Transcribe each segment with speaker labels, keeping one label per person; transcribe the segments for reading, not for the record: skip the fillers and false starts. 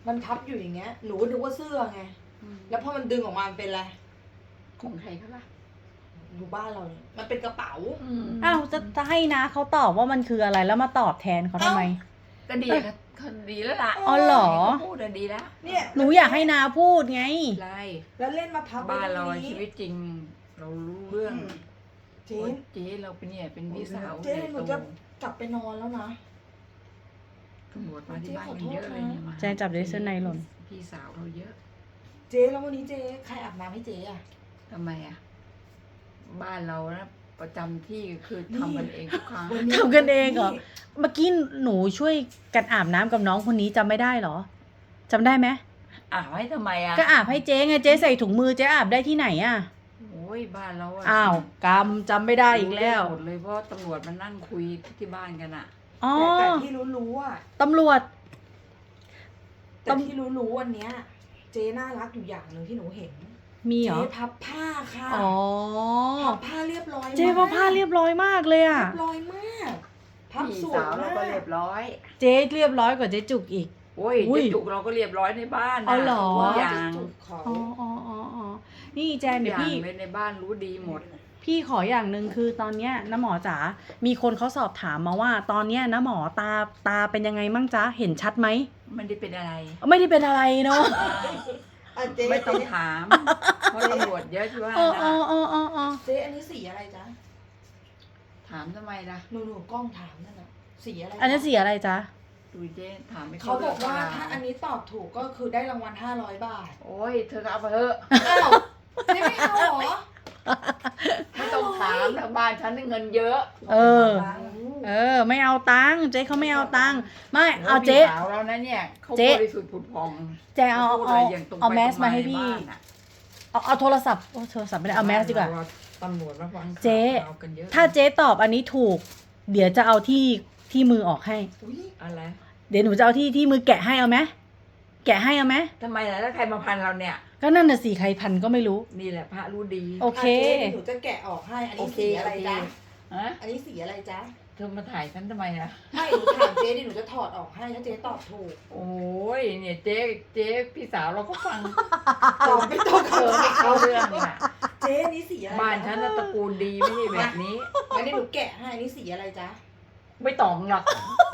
Speaker 1: มันพับอยู่อย่างเงี้ยหนูก็นึกว่าเสื้อไงแล้วพอมันดึงออกมามันเป็นอะไร
Speaker 2: ของใครเขาล่ะ
Speaker 1: อยู่บ้านเราเนี่ยมันเป็นกระเป๋า
Speaker 3: อ้าวจะให้นะเขาตอบว่ามันคืออะไรแล้วมาตอบแทนเขาทำไม
Speaker 2: ก็ดีก็ดีแล้วล่ะ
Speaker 3: อ๋อเหรอ
Speaker 2: พูดดีแล้ว
Speaker 1: เนี่ย
Speaker 3: หนูอยากให้นาพูดไง
Speaker 2: ไร
Speaker 1: แล้วเล่นมาพับ
Speaker 2: บ้านเราชีวิตจริงเรารู้เรื่อง
Speaker 1: เจ๊
Speaker 2: เราเป็นเนี่ยเป็นพี่สาว
Speaker 1: เจ๊หนูจะกลับไปนอนแล้วนะ
Speaker 2: ตำรวจมาที่บ้านกันเยอะเลยเนี่ยมา
Speaker 3: แจจับได้เสื้อในหล่น
Speaker 2: พี่สาวเราเยอะ
Speaker 1: เจ๊แล้ววันนี้เจ๊ใครอาบน้ำให้เจ๊อะ
Speaker 2: ทำไมอะบ้านเรานะประจำที่คือทำกันเองทุกครั้ง
Speaker 3: ทำกันเองเหรอเมื่อกี้หนูช่วยกันอาบน้ำกับน้องคนนี้จำไม่ได้เหรอจำได้ไหม
Speaker 2: อาบให้ทำไมอะ
Speaker 3: ก็อาบให้เจ๊ไงเจ๊ใส่ถุงมือเจ๊อาบได้ที่ไหนอะ
Speaker 2: โอ้ยบ้านเรา
Speaker 3: อ้าวกำจำไม่ได้อีกแล้ว
Speaker 2: หมดเลยเพราะตำรวจมานั่งคุยที่บ้านกันอะ
Speaker 1: แต่ที่รู้อ่ะ
Speaker 3: ตำรวจ
Speaker 1: แต่ที่รู้วันเนี้ยเจ๊น่ารักอยู่อย่างหนึ่งที่หนูเห็น
Speaker 3: มีเหรอ
Speaker 1: เจ๊พับผ้าค่ะพับผ้าเรียบร้อย
Speaker 3: เจ๊พับผ้าเรียบร้อยมากเลยอะ
Speaker 1: เรียบร้อยมากพับสวยมาก
Speaker 2: เราก็เรียบร้อย
Speaker 3: เจ๊เรียบร้อยกว่าเจ๊จุกอีก
Speaker 2: โอ้ยเจ๊จุกเราก็เรียบร้อยในบ้านนะ
Speaker 3: เอาหรอ
Speaker 2: อย่าง
Speaker 3: อ๋อนี่แจนเดี๋ยวพี่
Speaker 2: ในบ้านรู้ดีหมด
Speaker 3: พี่ขออย่างหนึ่งคือตอนเนี้ยน้าหมอจ๋ามีคนเขาสอบถามมาว่าตอนเนี้ยน้าหมอตาเป็นยังไงมั่งจ๊ะเห็นชัดไหม
Speaker 2: ไม่ได้เป็นอะไร
Speaker 3: ไม่ได้เป็นอะไรเนาะ
Speaker 2: ไม่ต้องถามเพราะตำรวจเยอะที่ว่านะ
Speaker 1: เจ๊อันนี้สีอะไรจ๊ะ
Speaker 2: ถามทำไมล่ะ
Speaker 1: หนูกล้องถามนั่นแหละสีอะไร
Speaker 3: อันนี้สีอะไรจ๊ะ
Speaker 2: ดูเจ๊ถามไม่
Speaker 1: เขาบอกว่าถ้าอันนี้ตอบถูกก็คือได้รางวัล500 บาท
Speaker 2: โอ้ยเธอก็เอาไปเถอะ
Speaker 1: อ้าวเจ๊ไม่เอาหรอ
Speaker 2: ไม่ต้องถามนะบ้านฉันเงินเยอะ
Speaker 3: ไม่เอาตังค์เจ๊เขาไม่เอาตังค์ไม่เอาเจ๊
Speaker 2: สาวเรานะเนี่ยเขาบริสุทธิ์ผุดพอง
Speaker 3: เจ๊เอาแมสมาให้พี่เอาโทรศัพท์ไม่ได้เอาแมสดีกว่า
Speaker 2: ตำรวจมาฟัง
Speaker 3: เจ๊ถ้าเจ๊ตอบอันนี้ถูกเดี๋ยวจะเอาที่มือออกให้
Speaker 2: อะไร
Speaker 3: เดี๋ยวหนูจะเอาที่มือแกะให้เอาไหมแกะให้เอาไหม
Speaker 2: ทำไมล่ะแล้วใครมาพันเราเนี่ย
Speaker 3: ก็นั่นน่ะสิใครพันก็ไม่รู้
Speaker 2: นี่แหละพระรู้ดี
Speaker 3: โอเค
Speaker 1: หนูจะแกะออกให้อันนี้สีอะไรจ๊ะอันนี้สีอะไรจ๊ะ
Speaker 2: เธอมาถ่ายฉันทำไมล่ะ
Speaker 1: ไม่หนูถามเจ๊ดิหนูจะถอดออกให้ถ้าเจ๊ตอบถูก
Speaker 2: โอ้ยเนี่ยเจ๊พี่สาวเราก็ฟัง
Speaker 1: ตอบไม่ต้อง
Speaker 2: ไม่เข้าเรื่องอ่ะ
Speaker 1: เจ๊นี่สีอะไร
Speaker 2: บ้านฉันตระกูลดีไม่ใช่แบบนี้
Speaker 1: งั้นหนูแกะให้นี่สีอะไรจ๊ะ
Speaker 2: ไม่ตอบหรอก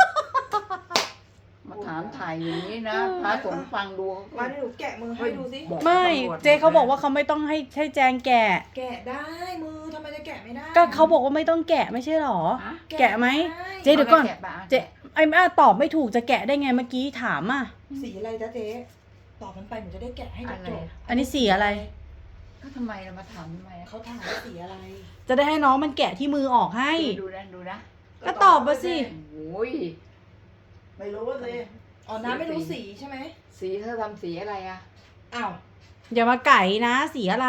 Speaker 2: มาถามถ่ายอย่างนี้นะพระสงฆ์ฟังดู
Speaker 1: มาหนูแกะมือให้ดูสิ
Speaker 3: ไม่เจ๊เขาบอกว่าเขาไม่ต้องให้แจงแกะ
Speaker 1: ได้มือทำไมจะแกะไม่ได้
Speaker 3: ก็เขาบอกว่าไม่ต้องแกะไม่ใช่หรอแกะไหมเจ๊เดี๋ยวก่อนเจ๊ไอ้ตอบไม่ถูกจะแกะได้ไงเมื่อกี้ถามอ่ะ
Speaker 1: สีอะไรจ๊ะเจ๊ตอบมันไปหนูจะได้แกะให้จบ
Speaker 3: อันนี้สีอะไร
Speaker 2: ก็ทำไมเรามาถามทำไม
Speaker 1: เขาถามว่าสีอะไร
Speaker 3: จะได้ให้น้องมันแกะที่มือออกให้
Speaker 2: ดูนะ
Speaker 3: ก็ตอบมาสิ
Speaker 2: โอ้ย
Speaker 1: ไม่รู้ว่าเลยอ๋อน้ำไม่รู้สีใช่ไหม
Speaker 2: สีเธอทำสีอะไรอ่ะ
Speaker 1: อ้าว
Speaker 3: อย่ามาไก่นะสีอะไร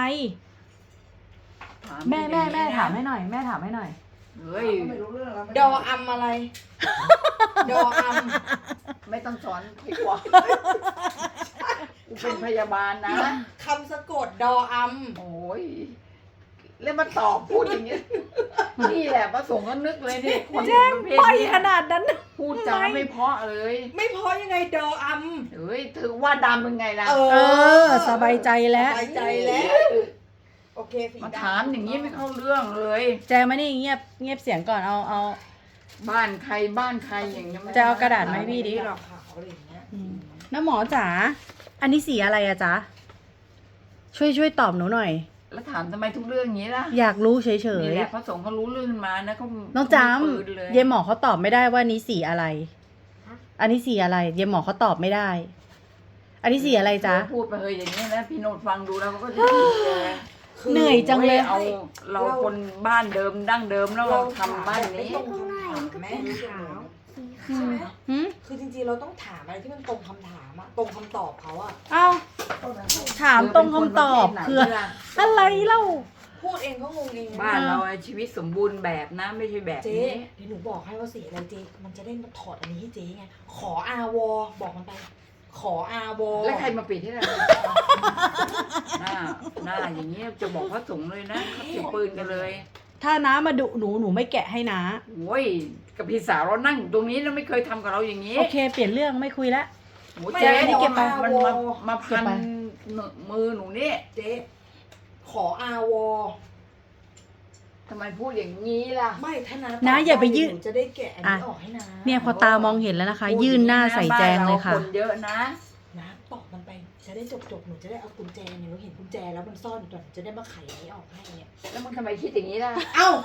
Speaker 3: แม่ถามให้หน่อยแม่ถามให้หน่อย
Speaker 2: เฮ้ย
Speaker 1: ไม่รู้เรื่องแล้วดออัมอะไรดออัม
Speaker 2: ไม่ต้องสอนพี่กว่ากูเป็นพยาบาลนะ
Speaker 1: คำสะกดดออัม
Speaker 2: โอ้ยแล้วมาตอบพูดอย่างนี้นี่แหละพระสงฆ์ก็นึกเลยนี่คน
Speaker 3: ประเภทนี้ขนาดนั้น
Speaker 2: พูดจาไม่เพราะเลย
Speaker 1: ไม่เพราะยังไงดออัม
Speaker 2: เฮ้ยถือว่าดำเป็นไงล่ะ
Speaker 3: สบายใจแล้ว
Speaker 1: สบายใจแล้วโอเค
Speaker 2: มาถามอย่างนี้ไม่เข้าเรื่องเลย
Speaker 3: แจมานี่เงียบเสียงก่อนเอา
Speaker 2: บ้านใครอย่างนี้
Speaker 3: จะเอากระดาษไหมพี่ดิน้าหมอจ๋าอันนี้สีอะไรอะจ๊ะช่วยตอบหนูหน่อย
Speaker 2: แล้วถามทำไมทุกเรื่องอย่างนี้ล่ะ
Speaker 3: อยากรู้เฉย
Speaker 2: ๆนี่แหละพระสงฆ์เขารู้เรื่องมานะเขา
Speaker 3: น้องจำเยหมอเขาตอบไม่ได้ว่านี้สีอะไรอันนี้สีอะไรเยหมอเขาตอบไม่ได้อันนี้สีอะไรจ๊ะ
Speaker 2: พูดไปเลยอย่างนี้นะพี่โนดฟังดูแล้วก็จะ
Speaker 3: เหนื่อยจังเลย
Speaker 2: เอาเราคนบ้านเดิมดั้งเดิมแล้วเราทำบ้านนี้
Speaker 1: แม่ขาวคือจริงๆเราต้องถามอะไรที่มันตรงคำถามอะตรงคำตอบเขาอะ
Speaker 3: เอ้าถามตรงคำตอบคืออะไรเล่า
Speaker 1: พูดเองก็งงเอง
Speaker 2: บ้านเราชีวิตสมบูรณ์แบบนะไม่ใช่แบบนี้
Speaker 1: เดี๋ยวหนูบอกให้ว่าสีอะไรเจ๊มันจะได้มาถอดอันนี้ให้เจ๊ไงขออาวอบอกมันไปขออาวอ
Speaker 2: แล้วใครมาปิดให้เราหน้าอย่างนี้จะบอกพระสงฆ์เลยนะเขาถือปืนกันเลย
Speaker 3: ถ้าน้ามาดุหนูไม่แกะให้น้า
Speaker 2: โอ้ยกับพี่สาวเรานั่งตรงนี้เราไม่เคยทำกับเราอย่างนี้
Speaker 3: โอเคเปลี่ยนเรื่องไม่คุยแล้ว
Speaker 2: หมูเจ๊
Speaker 3: ไม่เก็บไป
Speaker 2: มันมาพัน
Speaker 3: เก็บไป
Speaker 2: มือหนูนี่
Speaker 1: เจ๊ขออาวอ
Speaker 2: ทำไมพูดอย่างนี้ล่ะ
Speaker 1: ไม่ถ้านา
Speaker 3: นะอย่าไปยื่น
Speaker 1: หนูจะได้แกะอันนี้ออกให้นะ
Speaker 3: เนี่ยพอตามองเห็นแล้วนะคะ ยื่นหน้าใส่แจงเลยค่ะ
Speaker 2: บ้านราคนเยอะนะ
Speaker 1: นะตอกมันไปจะได้จบหนูจะได้เอากุญแจเนี่ยหนูเห็นกุญแจแล้วมันซ่อนอยู่ตรงจะได้มาไขอันนี้ออกให้เนี่ย
Speaker 2: แล้วมึงทำไมคิดอย่างนี้ล่ะ
Speaker 1: เอ้า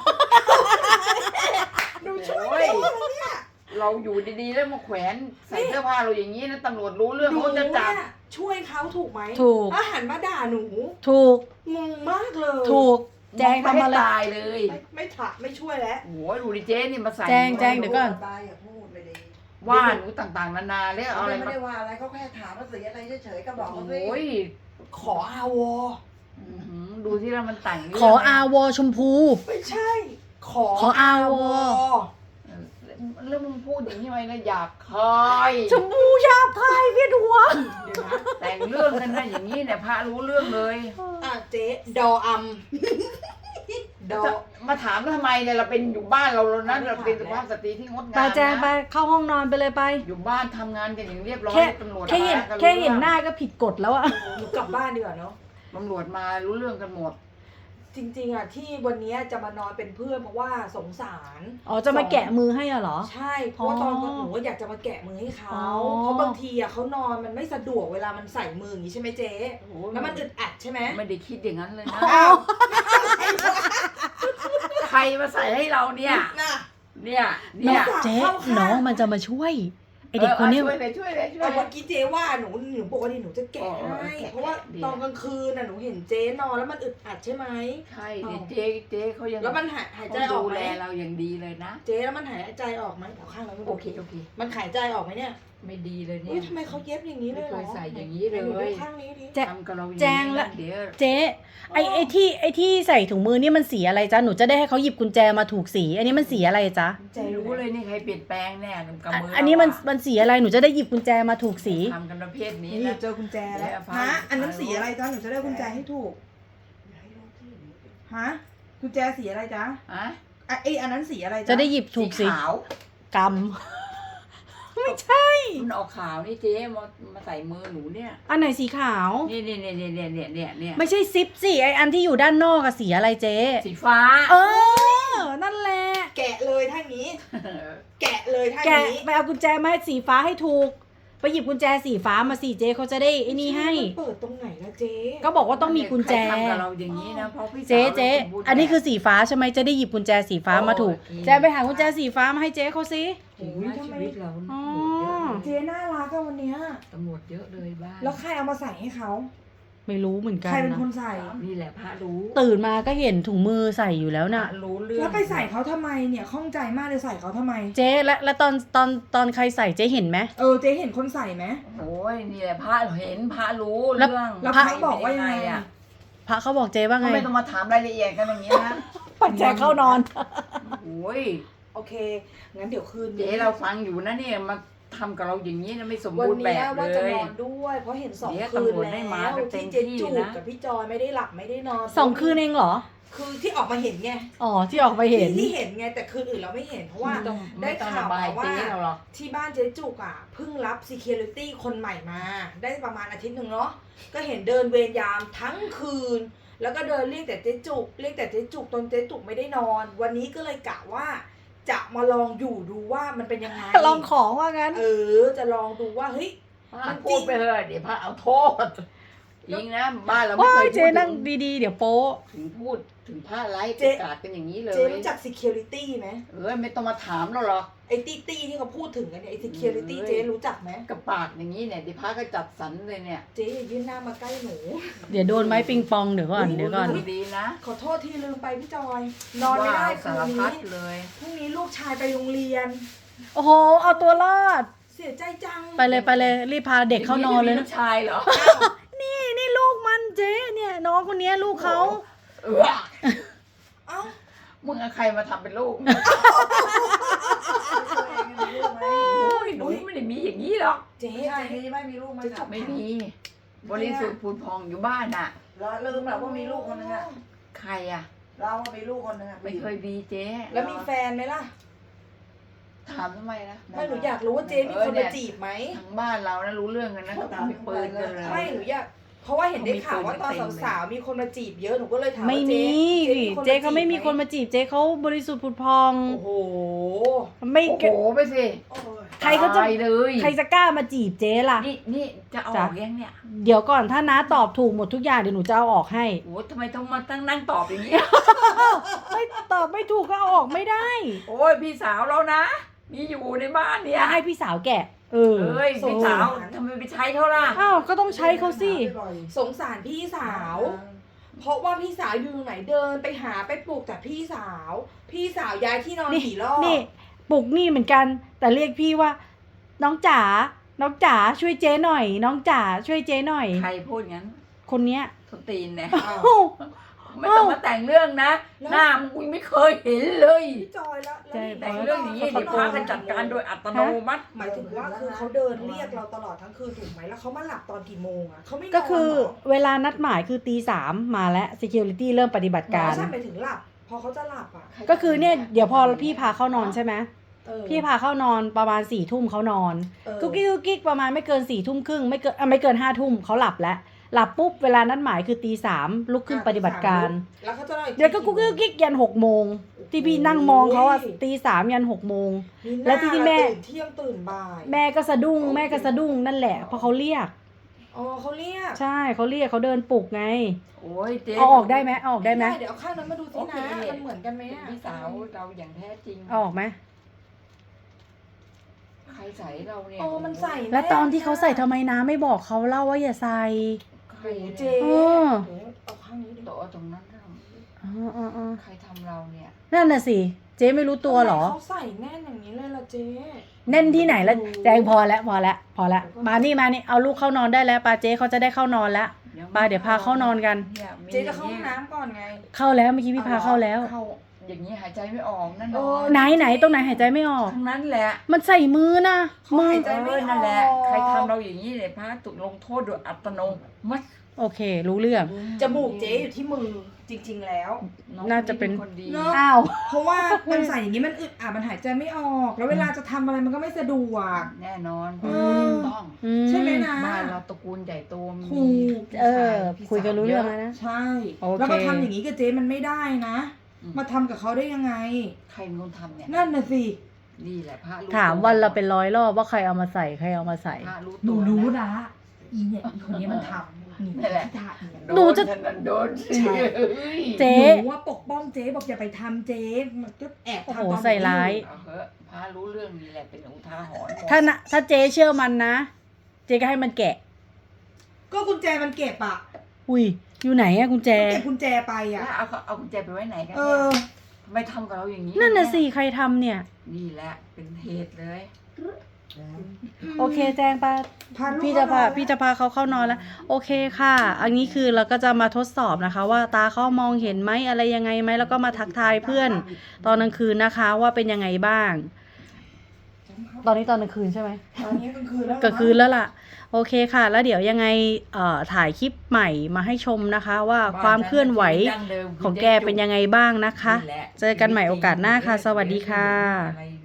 Speaker 2: หนูช่วยเราอยู่ดีๆแล้วมาแขวนใส่เสื้อผ้าเราอย่างนี้นะตำรวจรู้เรื่องเขาจะจับ
Speaker 1: เนี่ยช่วยเขาถูกไหม
Speaker 3: ถูก
Speaker 1: อาหารมาด่าหนู
Speaker 3: ถูก
Speaker 1: งงมากเลย
Speaker 3: ถูก แจง
Speaker 2: ไม่
Speaker 3: ทำอะไร
Speaker 2: ตายเลย
Speaker 1: ไม่ถะไม่ช่วยแล้ว
Speaker 2: โอ้ยดูดิเจ๊นี่มาใส่
Speaker 3: แจงแจง เดี๋ยวก่อน
Speaker 4: ตายอย่าพูดไปดิ
Speaker 2: ว่าหนูต่างๆนานาแล้วเอาอะไร
Speaker 4: ไม่
Speaker 2: มา
Speaker 4: ได้ว่าอะไรเขาแค่ถามว่าสีอะไรเฉยๆก็บอกเขาสิ
Speaker 2: โอ้ย
Speaker 1: ขออาวอ
Speaker 2: อื้อหือดูที่แล้วมันแต่งเรื่ง
Speaker 3: ขออาวอชมพู
Speaker 1: ไม่ใช่ ขอ
Speaker 3: ขออาวอ
Speaker 2: เออแล้วมึงพูดอย่างนี้ไว้นะหยาบคาย
Speaker 3: ชมพูชาบคายเวียนหัว
Speaker 1: เดี๋ยวนะ
Speaker 2: แต่งเรื่องกันนะอย่างนี้เนี่ยพระรู้เรื่องเลย
Speaker 1: อ่ะเจ๊ดออัมดอ
Speaker 2: มาถามแล้วทำไมเนี่ยเราเป็นอยู่บ้านเราแล้วนะเราเป็นสุภาพสตรีที่งดงาม
Speaker 3: ไป
Speaker 2: นะ
Speaker 3: แจงไปเข้าห้องนอนไปเลยไป
Speaker 2: อยู่บ้านทำงานกันอย่างเรียบร้อย
Speaker 3: แค่
Speaker 2: ตำรวจ
Speaker 3: แค่เห็น
Speaker 2: มากั
Speaker 3: แค่เห็น
Speaker 2: รู้
Speaker 3: หน้าก็ผิดกฎแล้วอะ
Speaker 1: หนูกลับบ้านดีกว่าเนาะ
Speaker 2: ตำรวจมารู้เรื่องกันหมด
Speaker 1: จริงๆอ่ะที่วันนี้จะมานอนเป็นเพื่อนเพราะว่าสงสาร
Speaker 3: อ๋อจะมาแกะมือให้อะเหรอ
Speaker 1: ใช่ เพราะว่าตอน
Speaker 3: อ๋อ
Speaker 1: หนูก็อยากจะมาแกะมือให้เขา
Speaker 3: อ๋อ
Speaker 1: เพราะบางทีอ่ะเขานอนมันไม่สะดวกเวลามันใส่มืออย่างนี้ใช่ไหมเจ๊
Speaker 2: โอ้โห
Speaker 1: แล้วมันอึดอัดใช่ไหม
Speaker 2: ไม่ได้คิดอย่างนั้นเลยนะ
Speaker 1: อ้าว
Speaker 2: ใครมาใส่ให้เราเนี่ย
Speaker 1: น่ะ
Speaker 2: เนี่ย
Speaker 3: น้
Speaker 2: เนี่
Speaker 3: อย งเจ๊
Speaker 1: เข้าข้าง
Speaker 3: น้องมันจะมาช่วยไอเด็กคนเนี้ย
Speaker 2: ช่วยเลยช่วยเลยช่วย
Speaker 1: แต่
Speaker 2: เล
Speaker 1: เมื่อย กี้เจ๊ว่าหนูปกติหนูจะแกะ
Speaker 2: อ๋อ
Speaker 1: ให้
Speaker 2: แกะ
Speaker 1: เพราะว่า
Speaker 2: ดี
Speaker 1: ตอนกลางคืนน่ะหนูเห็นเจ๊นอนแล้วมันอึดอัดใช่ไหม
Speaker 2: ใช่เนี่ยเจ๊เขายัง
Speaker 1: แล้วมันหายใจออก
Speaker 2: ดู
Speaker 1: ไหม
Speaker 2: แลเราอย่างดีเลยนะ
Speaker 1: เจ๊แล้วมันหายใจออกไหมเอาข้างเราไม่
Speaker 2: โอ
Speaker 1: โอ
Speaker 2: เค
Speaker 1: เค
Speaker 2: โอเค
Speaker 1: มันหายใจออกไหมเนี่ย
Speaker 2: ไม่ดีเลยเนี่
Speaker 1: อุ้ย
Speaker 2: ย
Speaker 1: ทำไมเขาเย็บอย่างนี้เลยเหรอ
Speaker 2: ไม่เคยใส่อย่างนี้เลย
Speaker 1: ไหดูข้างนี้ดิ
Speaker 3: แจ๊
Speaker 2: ทำกับเราอย่าง
Speaker 3: แจง
Speaker 2: นี้
Speaker 3: ละ
Speaker 2: นะเดี๋ยว
Speaker 3: เจ๊ไอที่ใส่ถุงมือนี่มันสีอะไรจ๊ะหนูจะได้ให้เขาหยิบกุญแจมาถูกสี อันนี้มันสีอะไรจ๊ะ
Speaker 1: ใจ
Speaker 2: ไม่
Speaker 1: รู้
Speaker 2: รู้
Speaker 1: เล
Speaker 2: เลย ยนี่ใครเปลี่ยนแปลงแน่กับมือ
Speaker 3: อั
Speaker 2: อั
Speaker 3: นนี้มันสีอะไรหนูจะได้หยิบกุญแจมาถูกสี
Speaker 2: ทำกันประเภทนี้
Speaker 4: นี่
Speaker 2: นะ
Speaker 4: เจอกุญแจแล้ว
Speaker 2: เดี๋ยวเอา
Speaker 4: ฮะ
Speaker 2: ผ้า
Speaker 4: อันนั้นสีอะไรจ๊ะหนูจะได้กุญแจให้ถูกฮะกุญแจสีอะไรจ๊ะ
Speaker 2: อะ
Speaker 4: อ่ะอันนั้นสีอะไรจ๊ะ
Speaker 3: จะได้หยิบถูกสี
Speaker 2: ขาว
Speaker 3: ก ไม่ใช่
Speaker 2: มันออกขาวนี่เจ๊มาใส่มือหนูเนี่ย
Speaker 3: อันไหนสีขาว
Speaker 2: เนี่ย
Speaker 3: ไม่ใช่ซิปสิไออันที่อยู่ด้านนอกอะสีอะไรเจ๊
Speaker 2: สีฟ้า
Speaker 3: เออ นั่นแหละ
Speaker 1: แกะเลยท่านี้ แกะเลยท่า
Speaker 3: แกะ
Speaker 1: นี้
Speaker 3: ไปเอากุญแจมาให้สีฟ้าให้ถูก ไปหยิบกุญแจสีฟ้ามาสิเจ๊เขาจะได้ไอ้นี่ให้
Speaker 1: มันเปิดตรงไหนนะเจ๊
Speaker 3: ก็บอกว่าต้องมีกุญแจ
Speaker 2: ใครทำกับเราอย่างนี้นะเพราะพี่สาว
Speaker 3: เจ๊เจ๊
Speaker 2: ราสมบูรณ์
Speaker 3: อันนี้คือสีฟ้าใช่ไหมจะได้หยิบกุญแจสีฟ้ามาถูก
Speaker 2: โอเค
Speaker 3: แจไปหากุญแจสีฟ้ามาให้เจ๊เขาสิ
Speaker 2: โอ้ยชีวิตเรา
Speaker 3: อ๋อ
Speaker 1: เจ๊น่ารักอะวันเนี้ย
Speaker 2: ตำรวจเยอะเลยบ้าน
Speaker 1: แล้วใครเอามาใส่ให้เขา
Speaker 3: ไม่รู้เหมือนกัน
Speaker 1: ใครเป็น
Speaker 3: นะ
Speaker 1: คนใส่
Speaker 2: นี่แหละพระรู้
Speaker 3: ตื่นมาก็เห็นถุงมือใส่อยู่แล้ว
Speaker 2: พระ
Speaker 3: น่ะ
Speaker 2: รู้เรื่อง
Speaker 1: แล้วไปใส่เขาทำไมเนี่ยข้องใจมากเลยใส่เขาทำไม
Speaker 3: เจ๊และตอนใครใส่เจ๊เห็นไหม
Speaker 1: เจ๊เห็นคนใส่ไหม
Speaker 2: โอ้ยนี่แหละพระเห็นพระรู้
Speaker 3: แล้ว
Speaker 2: เรื่อง
Speaker 1: แล้ว
Speaker 3: พระ
Speaker 1: พระบอกว่ายังไง
Speaker 2: อะ
Speaker 1: อะ
Speaker 3: พระเขาบอกเจ๊ว่า
Speaker 2: ก็
Speaker 3: ไง
Speaker 2: ไม่ต้องมาถามรายละเอียดกันอย่างนี้นะ
Speaker 3: ปัจแจเข้านอน
Speaker 2: โอ้ย
Speaker 1: โอเคงั้นเดี๋ยวคืน
Speaker 2: เจ๊เราฟังอยู่นะเนี่ยมาทำกับเราอย่างนี้นะไม่สม
Speaker 1: วัน
Speaker 2: บูรณ์แบ
Speaker 1: เนี้ย
Speaker 2: บ
Speaker 1: ว่า
Speaker 2: เล
Speaker 1: จะ
Speaker 2: ย
Speaker 1: นอนด้วย เพราะเห็นสอง
Speaker 2: เดี๋ยว
Speaker 1: คืน
Speaker 2: ตำรวจ
Speaker 1: แล้
Speaker 2: ได้มาว กันเต็
Speaker 1: ที่
Speaker 2: ม
Speaker 1: เจ๊
Speaker 2: ที่
Speaker 1: จูบ
Speaker 2: นะ
Speaker 1: กับพี่จอยไม่ได้หลับไม่ได้นอน
Speaker 3: 2 คืนเองเหรอ
Speaker 1: คือที่ออกมาเห็นไง
Speaker 3: อ๋อที่ออกไปเห็น
Speaker 1: ที่เห็นไงแต่คืนอื่นเราไม่เห็นเพราะว่า
Speaker 2: ไม่ต้อง
Speaker 1: ได้
Speaker 2: ไม่ต้อง
Speaker 1: ข่าว
Speaker 2: ระบาย
Speaker 1: มาว่า
Speaker 2: เจ๊เราหรอก
Speaker 1: ที่บ้านเจ๊จุกอ่ะเพิ่งรับ security คนใหม่มา ได้ประมาณอาทิตย์หนึ่งเนาะก็เห็นเดินเวรยามทั้งคืน แล้วก็เดินเรียกแต่เจ๊จุกเรียกแต่เจ๊จุกจนเจ๊จุกไม่ได้นอน วันนี้ก็เลยกะว่า จะมาลองอยู่ดูว่ามันเป็นยังไง
Speaker 3: ลองของว่างั้น
Speaker 1: จะลองดูว่าเฮ้ย
Speaker 2: พระพูดไปเถอะเดี๋ยวพระเอาโทษจริงนะบ้านเราไม่
Speaker 3: ว้า
Speaker 2: เค
Speaker 3: ย
Speaker 2: ย
Speaker 3: เจ๊
Speaker 2: พูด
Speaker 3: นั่งดีๆ เดี๋ยวโป๊ะ
Speaker 2: ถึงพูดถึงพระไร้
Speaker 1: เจ๊
Speaker 2: ประกาศกันอย่างนี้เลย
Speaker 1: เจ๊รู้จัก security ไหม
Speaker 2: ไม่ต้องมาถามเราหรอก
Speaker 1: ไอ้ตี้ที่เขาพูดถึงกันเนี่ยไอ้ security
Speaker 2: เอ้ย
Speaker 1: เจ๊รู้จักไหม
Speaker 2: กับปากอย่างนี้เนี่ยเดี๋ยวพระก็จัดสรรเลยเนี่ย
Speaker 1: เจ๊อย่ายื่นหน้ามาใกล้หนู
Speaker 3: เดี๋ยวโดนไม้ปิงปองเดี๋ยวก่อนเดี๋ยวก่อน
Speaker 2: ดีนะ
Speaker 1: ขอโทษที่ลืมไปพี่จอย นอนไม่ได้
Speaker 2: ว่า
Speaker 1: คื
Speaker 2: สาร
Speaker 1: น
Speaker 2: พั
Speaker 1: นี้
Speaker 2: ดเลย
Speaker 1: พรุ่งนี้ลูกชายไปโรงเรียน
Speaker 3: โอ้โห เอาตัวรอด
Speaker 1: เสียใจจัง
Speaker 3: ไปเลยรีบพาเด็กเข้านอนเลย
Speaker 2: ลู
Speaker 3: นะ
Speaker 2: กชายเหรอ
Speaker 3: นี่ลูกมันเจ๊เนี่ยน้องคนเนี้ยลูกเขา
Speaker 1: เอ้า
Speaker 2: มึงเอาใครมาทำเป็นลูก
Speaker 4: มีลูกไหม
Speaker 2: โอ้ยหนูไม่ได้มีอย่างนี้หรอก
Speaker 1: เจ๊
Speaker 4: ใช่มีไหมมีลูกไหมครับ
Speaker 2: ไม่มี บริสุทธิ์ผุดพองอยู่บ้านอ่ะ
Speaker 4: เราลืมแบบว่ามีลูกคนนึงอะ
Speaker 2: ใครอ่ะ
Speaker 4: เราว่ามีลูกคนนึงอะ
Speaker 2: ไม่เคยมีเจ๊
Speaker 1: แล้วมีแฟนไหมล่ะ
Speaker 2: ถามทำไมนะ
Speaker 1: ไม่หนูอยากรู้ว่าเจ๊มีคนมาจีบไหม
Speaker 2: ทางบ้านเรานะรู้เรื่องกันนะเขามีปืนกันเลย
Speaker 1: ไม่หนูอยากเพราะว่าเห็นได้ข่าวว่าตอนสาวๆมีคนมาจีบเยอะหนูก็เลยถาม
Speaker 3: ไม่
Speaker 1: ว่า
Speaker 3: มี
Speaker 1: เจ๊
Speaker 3: เจ๊เขาไม่มีคนมาจีบเจ๊เขาบริสุทธิ์ผุดพอง
Speaker 1: โอ้โห
Speaker 3: ไม่
Speaker 2: โอ้โหไปสิ
Speaker 3: ใครก็จะ
Speaker 2: ตายเลย
Speaker 3: ใครจะกล้ามาจีบเจ๊ล่ะ
Speaker 2: นี่จะเอาอ
Speaker 3: จ้ะ
Speaker 2: อกยังเนี่ย
Speaker 3: เดี๋ยวก่อนถ้าน้าตอบถูกหมดทุกอย่างเดี๋ยวหนูจะเอาออกให้
Speaker 2: โอ้ทำไมต้องมาตั้งนั่งตอบอย่างนี้
Speaker 3: ไม่ตอบไม่ถูกก็เอาออกไม่ได้
Speaker 2: โอ้ยพี่สาวเรานะ มีอยู่ในบ้านเนี่ย
Speaker 3: ให้พี่สาวแกะ
Speaker 2: เอ้ยพี่สาวทำไมไปใช้เขาล่ะ
Speaker 3: อ้าวก็ต้องใช้เขาสิ
Speaker 1: สงสารพี่สาว เพราะว่าพี่สาวอยู่ไหนเดินไปหาไปปลูกแต่พี่สาว พี่สาวย้ายที่นอน
Speaker 3: นี่
Speaker 1: กี่รอบ
Speaker 3: นี่ปลุกนี่เหมือนกัน แต่เรียกพี่ว่า น้องจ๋าน้องจ๋าช่วยเจ๊หน่อย น้องจ๋าช่วยเจ๊หน่อย
Speaker 2: ใครพูดงั้น
Speaker 3: คนเนี้ย
Speaker 2: ทนตีนเนี่ย
Speaker 1: อ้าว
Speaker 3: อ้าว
Speaker 2: ไม่ต้องมาแต่งเรื่องนะ หน้ามึงไม่เคยเห็นเลย
Speaker 1: พี่จอยแล้ว
Speaker 3: ใช่
Speaker 2: แต่งเรื่องอย่างนี้เดี๋ยวพากันจัดการโดยอัตโนมัติ
Speaker 1: หมายถึงว่าคือเขาเดินเรียกเราตลอดทั้งคืนถูกไหมแล้วเขามาหลับตอนกี่โมงอ่ะเขาไม่นอน
Speaker 3: ก็คือ
Speaker 1: เหรอ
Speaker 3: เวลานัดหมายคือตี 3มาแล้ว security เริ่มปฏิบัติการ
Speaker 1: ไม่ใช่หมายถึงหลับ พอเขาจะหลับอ่ะ
Speaker 3: ก็คือเนี่ยเดี๋ยวพอพี่พาเข้านอนใช่ไหม
Speaker 1: เออ
Speaker 3: พี่พาเข้านอนประมาณ4 ทุ่มเขานอน
Speaker 1: เออ
Speaker 3: กุ๊กกิ๊กกุ๊กกิ๊กประมาณไม่เกิน4 ทุ่มครึ่งไม่เกิน5 ทุ่มเขาหลับแล้ว หลับปุ๊บเวลานัดหมายคือตี 3ลุกขึ้นปฏิบัติการ
Speaker 1: แล้วเขาจะนอนอี
Speaker 3: เดี๋ยวก็กุ๊กกิ๊กกุ๊กกิ๊กยัน6 โมงที่พี่นั่งมองเขาอะตี 3ยัน6 โมง
Speaker 1: มีหน้า
Speaker 3: แล้วที่แม่
Speaker 1: ตื่นเที่ยงตื่นบ่าย
Speaker 3: แม่ก็สะดุ้งนั่นแหละเพราะเขาเรียก
Speaker 1: อ๋อเขาเรียก
Speaker 3: ใช่เขาเรียกเขาเดินปลุกไง
Speaker 2: โอ้ยเจ๊
Speaker 3: เอาออกได้ไหมเอาออกได้ไหม
Speaker 1: เดี๋ยวเอาข้างนั้นมาดูสินะมันเหมือนกันไหมอะ
Speaker 2: พี่สาวเราอย่างแท้จริง
Speaker 3: เอาออกไหม
Speaker 2: ใครใส่เราเนี่ย
Speaker 1: โอ้มันใส่
Speaker 3: แล้วตอนที่เขาใส่ทำไมน้าไม่บอกเขาเล่าว่าอย่าใส่
Speaker 2: ใคร
Speaker 1: โอ้
Speaker 2: เนี่ย
Speaker 1: เจ๊
Speaker 3: เออ
Speaker 1: เดี๋ยวเอาข้างนี้ดิ
Speaker 2: โต๊ะตรงนั้นน่ะ
Speaker 3: อ๋อ
Speaker 2: ใครทำเราเนี่ย
Speaker 3: นั่นน่ะสิเจ๊ไม่รู้ตัวเหรอ
Speaker 1: ทำไมเขาใส่แน่นอย่างนี้เลยล่ะเจ๊
Speaker 3: แน่นที่ไหนแล้วแจงพอแล้วมานี่เอาลูกเข้านอนได้แล้วปาเจ๊เขาจะได้เข้านอนแล้วปาเดี๋ยวพาเข้านอนกัน
Speaker 2: นี่ยมี
Speaker 1: เจ๊จะเข้าห้องน้ำก่อนไง
Speaker 3: เข้าแล้วเมื่อกี้พี่พาเข้าแล้ว
Speaker 2: เข้าอย่างนี้หายใจไม่ออกนั่น
Speaker 1: เออ
Speaker 3: ไหนตรงไหนหายใจไม่ออก
Speaker 2: ทั้งนั้นแหละ
Speaker 3: มันใส่มือนะ
Speaker 1: เขา
Speaker 3: มือ
Speaker 1: หายใจไม่ออก
Speaker 2: นั่นแหละ ใครทำเราอย่างนี้เนี่ยพระถูกลงโทษโดยอัตโนมัติ
Speaker 3: โอเค รู้เรื่อง
Speaker 1: จมูกเจ๊อยู่ที่มือจริง ๆ แล้ว
Speaker 2: อง
Speaker 3: น่าจะเป็น
Speaker 2: คนดี
Speaker 1: เนอะ
Speaker 3: อ้าว
Speaker 4: เพราะว่ามันใส่อย่างนี้มันอึดอัดมันหายใจไม่ออก แล้วเวลาจะทำอะไรมันก็ไม่สะดวก
Speaker 2: แน่นอน
Speaker 4: เออ
Speaker 2: ต้อง
Speaker 4: ใช่ไหมนะ
Speaker 2: บ้านเราตระกูลใหญ่โตมี
Speaker 4: ถูก
Speaker 3: เออ คุยกันรู้เรื่องแล้วนะ
Speaker 4: ใช่
Speaker 3: โอเค
Speaker 4: แล้วมาทำอย่างนี้กับเจ๊มันไม่ได้นะ มาทำกับเขาได้ยังไง
Speaker 2: ใครเป็นคนทำเนี่ย
Speaker 4: นั่นน่ะสิ
Speaker 2: นี่แหละพระรู้
Speaker 3: ถามวันเราเป็น100 รอบว่าใครเอามาใส่ใครเอามาใส่
Speaker 2: พระรู้
Speaker 4: หนู
Speaker 2: ตัว
Speaker 4: รู้
Speaker 2: นะ
Speaker 4: นะอีเนี่ยอีคนนี้มันทำนี่
Speaker 2: นั่นแหละ
Speaker 4: ที่ทำเนี่ย
Speaker 3: หนูจะ
Speaker 2: โดนสิ
Speaker 4: ใช่
Speaker 3: เจ๊
Speaker 4: หนูว่าปกป้องเจ๊บอกอย่าไปทำเจ๊มันก็แอบ
Speaker 3: โอ้
Speaker 4: ทำ
Speaker 3: โห
Speaker 4: ตอน
Speaker 3: ใส่ร้าย
Speaker 2: เอาเหอะพระรู้เรื่องนี่แหละเป็นอุทาหรณ์หมด
Speaker 3: ถ้าเจ๊เชื่อมันนะ เจ๊ก็ให้มันแกะ
Speaker 4: ก็กุญแจมันเก็บอ่ะ
Speaker 3: อุ้ยอยู่ไหนอะกุญแจ
Speaker 4: มันเก็บกุญแจไป
Speaker 2: แล้ว
Speaker 4: อ่ะ
Speaker 2: เอากุญแจไปไว้ไหนกัน
Speaker 4: เอ
Speaker 2: เนี่ย
Speaker 4: อ
Speaker 2: ทำไมทำกับเราอย่างนี้
Speaker 3: นั่นน่ะ
Speaker 2: เย
Speaker 3: สิใครทำเนี่ย
Speaker 2: นี่แหละเป็นเหตุเลย
Speaker 3: โอเคแจงปะ
Speaker 4: พาลูก
Speaker 3: พี่จะพา
Speaker 4: เข้านอน
Speaker 3: พี่จะพาเขาเข้านอนแล้ว โอเคค่ะ อันนี้คือเราก็จะมาทดสอบนะคะ ว่าตาเขามองเห็นไหมอะไรยังไงไหมแล้วก็มาทักทายเพื่อน ตอนกลางคืนนะคะว่าเป็นยังไงบ้าง ตอนนี้ตอนกลางคืนใช่ไหม
Speaker 4: ตอนนี้กลางคืนแล้ว
Speaker 3: กลางคืนแล้วล่ะ โอเคค่ะ แล้วเดี๋ยวยังไงถ่ายคลิปใหม่มาให้ชมนะคะ ว่าความเคลื่อนไหวของแกเป็นยังไงบ้างนะคะ
Speaker 2: นี่แหละ
Speaker 3: เจอกันใหม่โอกาสหน้าค่ะ สวัสดีค่ะ
Speaker 2: อะไร